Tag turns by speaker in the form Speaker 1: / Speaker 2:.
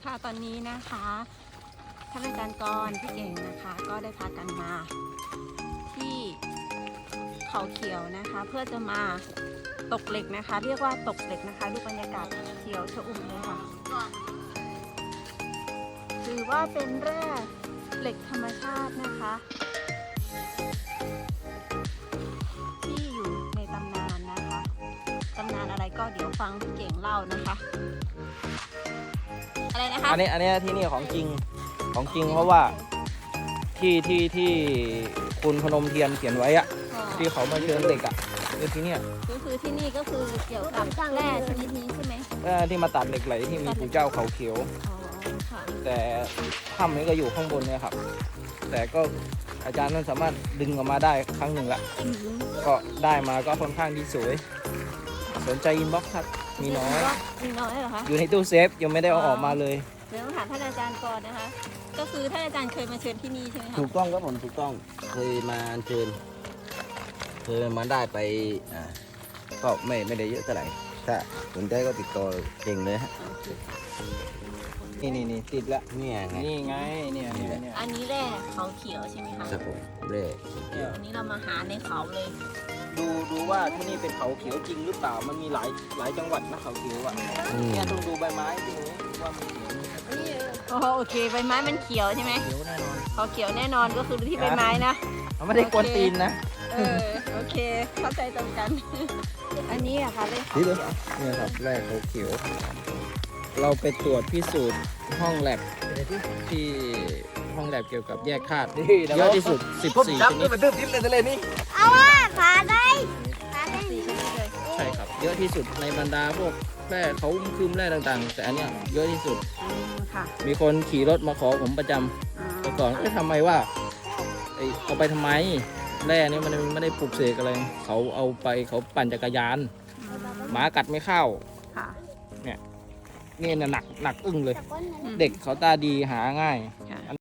Speaker 1: ค่ะตอนนี้นะคะท่านอาจารย์กรพี่เก่งนะคะก็ได้พากันมาที่เขาเขียวนะคะเพื่อจะมาตกเหล็กนะคะเรียกว่าตกเหล็กนะคะดูบรรยากาศเขียวชอุ่มเลยค่ะถือว่าเป็นแร่เหล็กธรรมชาตินะคะที่อยู่ในตำนานนะคะตำนานอะไรก็เดี๋ยวฟังพี่เก่งเล่านะคะอะไรนะคะ
Speaker 2: อันนี้ที่นี่ของจริงเพราะว่าที่คุณพนมเทียนเขียนไว้อะที่เขามาเชิญเด็กอะคือที่เนี่ย
Speaker 1: ก็คือที่นี่ก็คือเกี่ยวกับแร่ชนิดนี้ใช่ไหม
Speaker 2: ที่มาตัดเหล็กไหลที่มีปู่เจ้าเขาเขียวแต่ถ้ำนี้ก็อยู่ข้างบนเนี่ยครับแต่ก็อาจารย์นั้นสามารถดึงออกมาได้ครั้งหนึ่งละก็ได้มาก็ค่อนข้างที่สวยสนใจอินบ็อกซ์ครับมีน้อย
Speaker 1: เหรอคะ
Speaker 2: อยู่ในตู้เซฟยังไม่ได้เอาออกมาเลย
Speaker 1: เดี๋ยวต้องถามท่านอาจารย์ก่อนนะคะก็คือท่านอาจารย์เคยมาเชิญที่นี่ใช่ไหมคะ
Speaker 3: ถูกต้องครับผมถูกต้องเคยมาเชิญเคยมาได้ไปก็ไม่ได้เยอะเท่าไหร่ถ้าสนใจก็ติดต่อเก่งเลยฮะ
Speaker 2: นี่ติดละ
Speaker 3: เนี่ยไง
Speaker 2: นี่ไงเนี่ย
Speaker 1: อันนี้แร่เขาเขียวใช่ไหมคะ
Speaker 3: ครับผมเร่
Speaker 1: อันนี้เรามาหาในเขาเลย
Speaker 2: ดูว่าที่นี่เป็นเขาเขียวจริงหรือเปล่ามันมีหลายจังหวัดนะเขาเขียวอ่ะเนี่ยต้องดูใบไม้ดูว่ามันเขียว
Speaker 1: โอเคใบไม้มันเขียวใช่ไหม
Speaker 2: เขียวแน่นอน
Speaker 1: เขาเขียวแน่นอนก็คือที่ใบไม้นะ
Speaker 2: เขาไม่ได้กวนตีนนะ
Speaker 1: โอเคเข้าใจตรงกันอันนี้อะค่ะเลยเขาเขียว
Speaker 2: เนี่ยครับแรกเขาเขียวเราไปตรวจพิสูจน์ห้องแลบที่ห้องแลบเกี่ยวกับแยกธาตุเยอะที่สุด14ชนิด
Speaker 3: มันดื้อดิ้นเลยนี่
Speaker 1: เอาว่าขาได้4ชนิดเลย
Speaker 2: ใช่ครับเยอะที่สุดในบรรดาพวกแร่เขาคืมแร่ต่างๆแต่อันเนี้ยเยอะที่สุดมีคนขี่รถมาขอผมประจำแต่ก่อนทำไมว่าเอาไปทำไมแร่นี้มันไม่ได้ปลูกเสกอะไรเขาเอาไปเขาปั่นจักรยานหมากัดไม่เข้าเนี่ยนี่หนักอึ้งเลยเด็กเขาตาดีหาง่าย